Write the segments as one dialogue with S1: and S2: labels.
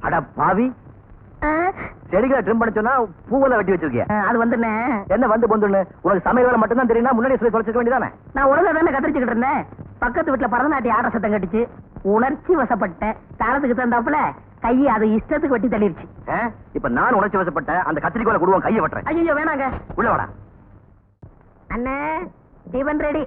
S1: அட பாவி, செடிகளை ட்ரிம் பண்ண சொன்னா பூவெல்லாம் வெட்டி வச்சிருக்கிய.
S2: அது வந்துண்ணே.
S1: என்ன வந்து பொந்துன்னு? உனக்கு சமையல் வேலை மட்டும்தான் தெரியுமா? முன்னாடி சொல்லி தொலைச்சிக்க வேண்டியதானே?
S2: நான் ஒழுங்கா தானே கத்திரிச்சுக்கிட்டு இருந்தேன். பக்கத்து வீட்டுல பரதநாட்டிய ஆட சத்தம் கட்டிச்சு. உணர்ச்சி வசப்பட்டேன். தாளத்துக்கு தந்தாப்புல கையை அது இஷ்டத்துக்கு வெட்டி தள்ளிருச்சு.
S1: இப்ப நான் உணர்ச்சி வசப்பட்டேன். அந்த கத்திரிக்கோலை கொடுவோம், கையை வெட்டுறேன்.
S2: ஐயோ வேணாங்க.
S1: உள்ள வாடா.
S2: அண்ணே டிபன் ரெடி.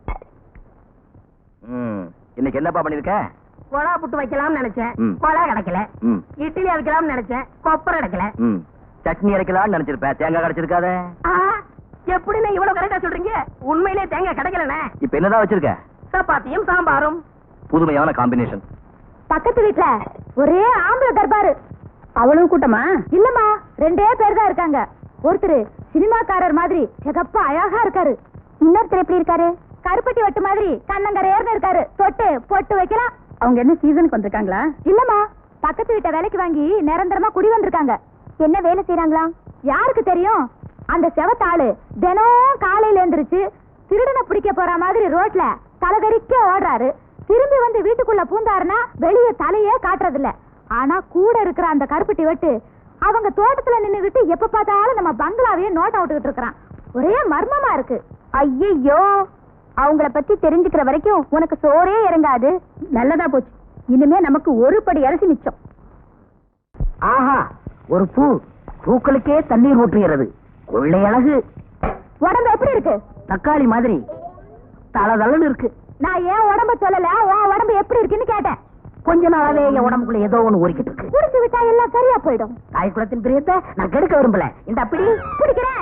S1: இன்னைக்கு என்னப்பா பண்ணிருக்க?
S2: கொலா புட்டு வைக்கலாம்னு நினைச்சேன், கொலா கிடைக்கல. இட்லி அரைக்கலாம்னு நினைச்சேன், கொப்பரை கிடைக்கல.
S1: சட்னி அரைக்கலாம்னு நினைச்சிருப்பேன், தேங்காய் கிடைச்சிருக்காதே.
S2: எப்படின்னு இவ்வளவு கரெக்டா சொல்றீங்க? உண்மையிலே தேங்காய் கிடைக்கலண்ணே.
S1: இப்ப என்னதான் வச்சிருக்க?
S2: சப்பாத்தியும் சாம்பாரும்.
S1: புதுமையான காம்பினேஷன்.
S3: பக்கத்து வீட்டுல ஒரே ஆம்பளை தர்பாரு. அவ்வளவு கூட்டமா? இல்லம்மா, 2 பேர் தான் இருக்காங்க. ஒருத்தர் சினிமாக்காரர் மாதிரி சிகப்பா அழகா இருக்காரு. இன்னொருத்தர் எப்படி இருக்காரு? கருப்பட்டி வட்டு மாதிரி கண்ணங்கரையர்னு இருக்காரு. தொட்டு பொட்டு வைக்கலாம். அவங்க என்ன சீசனுக்கு வந்திருக்காங்களா? இல்லம்மா, பக்கத்து வீட்டை வேலைக்கு வாங்கி நிரந்தரமா குடி வந்திருக்காங்க. என்ன வேலை செய்யறாங்களா? யாருக்கு தெரியும்? அந்த செவத்தாளு தினம் காலையில எழுந்திருச்சு திருடனை பிடிக்க போற மாதிரி ரோட்ல தலகரிக்க ஓடுறாரு. திரும்பி வந்து வீட்டுக்குள்ள பூந்தாருன்னா வெளியே தலையே காட்டுறது இல்ல. ஆனா கூட இருக்கிற அந்த கருப்பட்டி வெட்டு அவங்க தோட்டத்துல நின்னுகிட்டு எப்ப பார்த்தாலும் நம்ம பங்களாவையே நோட் அவுட்டுக்கிட்டு இருக்கிறான். ஒரே மர்மமா இருக்கு. ஐயோ, அவங்கள பத்தி தெரிஞ்சுக்கிற வரைக்கும் உனக்கு சோறே இறங்காது. நல்லதா போச்சு. இனிமே நமக்கு ஒரு படி அரிசி மிச்சம்.
S2: ஆஹா, ஒரு பூ பூக்களுக்கே தண்ணீர் ஊற்றுகிறது. கொள்ளை அழகு.
S3: உடம்பு எப்படி இருக்கு?
S2: தக்காளி மாதிரி தளதளன்னு இருக்கு.
S3: நான் ஏன் உடம்ப சொல்லல, உன் உடம்பு எப்படி இருக்குன்னு கேட்டேன்.
S2: கொஞ்ச நாளாவே என் உடம்புக்குள்ள ஏதோ ஒண்ணு ஊறிக்கிட்டு இருக்கு.
S3: குடிச்சு விட்டா எல்லாம் சரியா போயிடும்.
S2: தாய் குலத்தின் பிரியத்தை நான் கெடுக்க விரும்பல. இந்த அப்படி
S3: பிடிக்கிறேன்.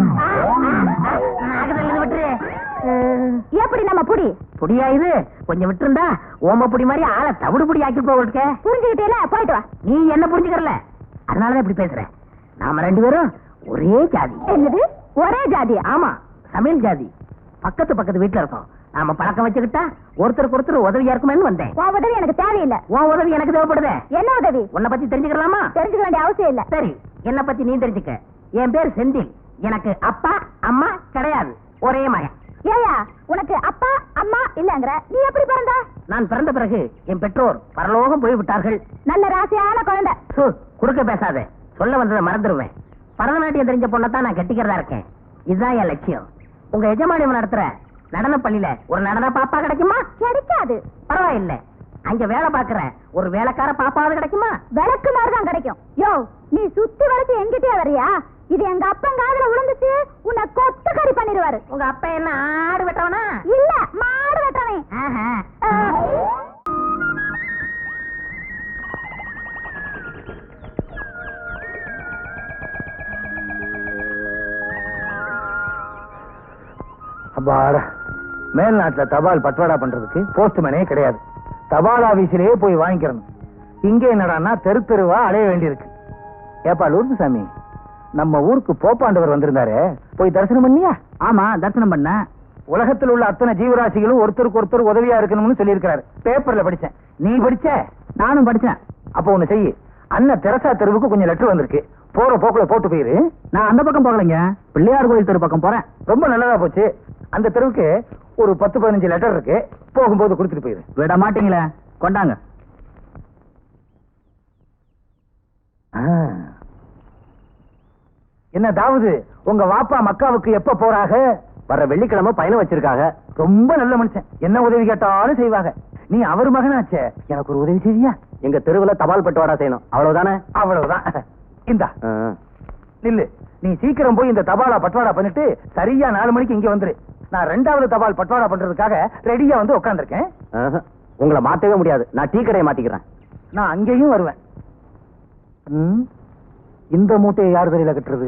S2: விட்டுரு.
S3: எப்படி நம்ம புடி
S2: புடியா இது? கொஞ்சம் விட்டுருந்தா ஓம புடி மாதிரி ஆளை தவிடு புடி ஆக்கி போக.
S3: புரிஞ்சுக்கிட்டே போயிட்டு வா.
S2: நீ என்ன புரிஞ்சுக்கறல, அதனாலதான் இப்படி பேசுறேன். நாம 2 பேரும் ஒரே ஜாதி.
S3: என்னது ஒரே ஜாதி?
S2: ஆமா, சமையல் ஜாதி. பக்கத்து வீட்டுல இருக்கோம். நாம பழக்கம் வச்சுக்கிட்டா ஒருத்தருக்கு ஒருத்தர் உதவியா இருக்குமேன்னு வந்தேன்.
S3: உன் உதவி எனக்கு தேவையில்லை.
S2: உன் உதவி எனக்கு தேவைப்படுது.
S3: என்ன உதவி?
S2: உன்னை பத்தி தெரிஞ்சுக்கலாமா?
S3: தெரிஞ்சுக்க வேண்டிய அவசியம் இல்ல.
S2: சரி, என்ன பத்தி நீ தெரிஞ்சுக்க. என் பேர் செந்தில். எனக்கு அப்பா அம்மா கிடையாது, ஒரே மகன்.
S3: ஏயா, உனக்கு அப்பா அம்மா இல்லங்கற? நீ எப்படி பிறந்த?
S2: நான் பிறந்த பிறகு என் பெற்றோர் பரலோகம் போய் விட்டார்கள்.
S3: நல்ல ராசியான குழந்தை.
S2: குறுக்க பேசாத, சொல்ல வந்ததை மறந்துடுவேன். பரதநாட்டியம் தெரிஞ்ச பொண்ணத்தான் நான் கட்டிக்கிறதா இருக்கேன். இதுதான் என் லட்சியம். உங்க எஜமானி நடத்துற நடன பள்ளியில ஒரு நடன பாப்பா கிடைக்குமா?
S3: கிடைக்காது.
S2: பரவாயில்ல, அங்க வேலை பாக்குற ஒரு வேலைக்கார பாப்பாவது கிடைக்குமா?
S3: விளக்கு மாதிரிதான் கிடைக்கும். யோ, நீ சுத்தி வளைச்சு எங்கிட்டே வரியா? இது எங்க அப்பன் காதுல விழுந்துச்சு, உன்னை கொத்து கறி பண்ணிடுவாரு.
S2: உங்க அப்பா என்ன ஆடு வெட்டவனா?
S3: இல்ல, மாடு வெட்டவன்.
S1: அப்பாடா, மேல்நாட்டுல தபால் பட்வாடா பண்றதுக்கு போஸ்ட்மேனே கிடையாது. தபால் ஆபீஸிலேயே போய் வாங்கிக்கிறணும். இங்க என்னடான்னா தெரு தெருவா அலைய வேண்டியிருக்கு. ஏப்பா லூர்து சாமி, நம்ம ஊருக்கு போப்பாண்டவர் வந்திருந்தாரு, போய் தரிசனம் பண்ணியா?
S2: ஆமா, தரிசனம் பண்ண.
S1: உலகத்தில் உள்ள அத்தனை ஜீவராசிகளும் ஒருத்தருக்கு ஒருத்தர் உதவியா இருக்கணும்னு சொல்லியிருக்கிறாரு. பேப்பர்ல படிச்சேன். நீ படிச்ச?
S2: நானும் படிச்சேன்.
S1: அப்ப ஒண்ணு செய்ய, அண்ணன் தெரசா தெருவுக்கு கொஞ்சம் லெட்டர் வந்திருக்கு, போற போக்குல போட்டு போயிரு.
S2: நான் அந்த பக்கம் போகலைங்க, பிள்ளையார் கோயில் தெரு பக்கம் போறேன்.
S1: ரொம்ப நல்லதா போச்சு. அந்த தெருவுக்கு ஒரு 10-15 லெட்டர் இருக்கு, போகும்போது கொடுத்துட்டு போயிரு.
S2: விட மாட்டீங்களே, கொண்டாங்க.
S1: என்ன தாவது, உங்க வாப்பா மக்காவுக்கு எப்ப போறாங்க? வர வெள்ளிக்கிழமை பயணம் வச்சிருக்காங்க. ரொம்ப நல்ல மனுஷன், என்ன உதவி கேட்டாலும் செய்வாங்க. நீ அவர் மகனாச்சே, எனக்கு ஒரு உதவி செய்வியா? எங்க தெருவுல தபால் பட்டுவாடா செய்யணும், அவ்வளவுதானே? அவ்வளவுதான். இந்தா நில்லு. நீ சீக்கிரம் போய் இந்த தபாலா பட்வாடா பண்ணிட்டு சரியா 4 மணிக்கு இங்க வந்துரு. நான் 2வது தபால் பட்வாடா பண்றதுக்காக ரெடியா வந்து உட்கார்ந்துருக்கேன். உங்களை மாத்தவே முடியாது, நான் டீ கடையை மாத்திக்கிறேன். நான் அங்கேயும் வருவேன். இந்த மூட்டையை யார் வெளியில கட்டுறது?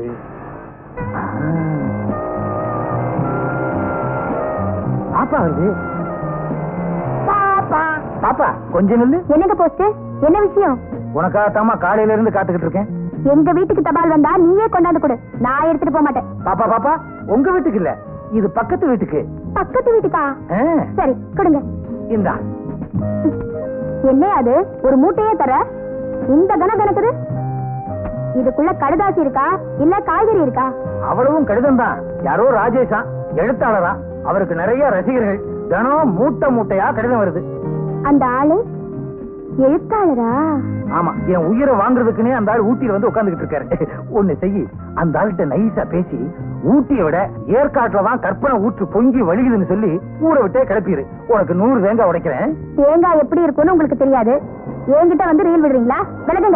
S1: பாப்பா வருது. பாப்பா பாப்பா கொஞ்சம் நில்லு.
S3: என்னங்க போஸ்ட்? என்ன விஷயம்?
S1: உனக்காகத்தாமா காலையில இருந்து காத்துக்கிட்டு இருக்கேன்.
S3: எங்க வீட்டுக்கு தபால் வந்தா நீயே கொண்டாந்து கொடு, நான் எடுத்துட்டு போக மாட்டேன்.
S1: பாப்பா பாப்பா, உங்க வீட்டுக்கு இல்ல, இது பக்கத்து வீட்டுக்கு.
S3: பக்கத்து வீட்டுக்கா? சரி கொடுங்க.
S1: இந்தா.
S3: என்ன அது, ஒரு மூட்டையே தர? இந்த கணக்குது. இதுக்குள்ள கடுதாசி இருக்கா இல்ல காய்கறி இருக்கா?
S1: அவ்வளவும் கடிதம் தான். யாரோ ராஜேஷா, எழுத்தாளரா, அவருக்கு நிறைய ரசிகர்கள். தினம் மூட்டை மூட்டையா கடிதம் வருது.
S3: அந்த ஆளு எழுத்தாளரா?
S1: ஆமா, என் உயிரை வாங்குறதுக்குன்னே அந்த ஆள் ஊட்டியில வந்து உட்கார்ந்துகிட்டு இருக்காரு. ஒண்ணு செய்யி, அந்த ஆள்கிட்ட நைஸா பேசி ஊட்டியை விட ஏற்காட்டுல தான் கற்பனை ஊற்று பொங்கி வலிக்குதுன்னு சொல்லி ஊரை விட்டே கிளப்பிடு. உனக்கு 100 தேங்காய் உடைக்கிறேன்.
S3: தேங்காய் எப்படி இருக்கும்னு உங்களுக்கு தெரியாது, என்கிட்ட வந்து ரீல் விடுறீங்களா? விலகுங்க.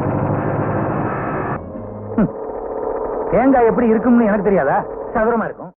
S1: தேங்காய் எப்படி இருக்கும்னு எனக்கு தெரியாதா? சதுரமா இருக்கும்.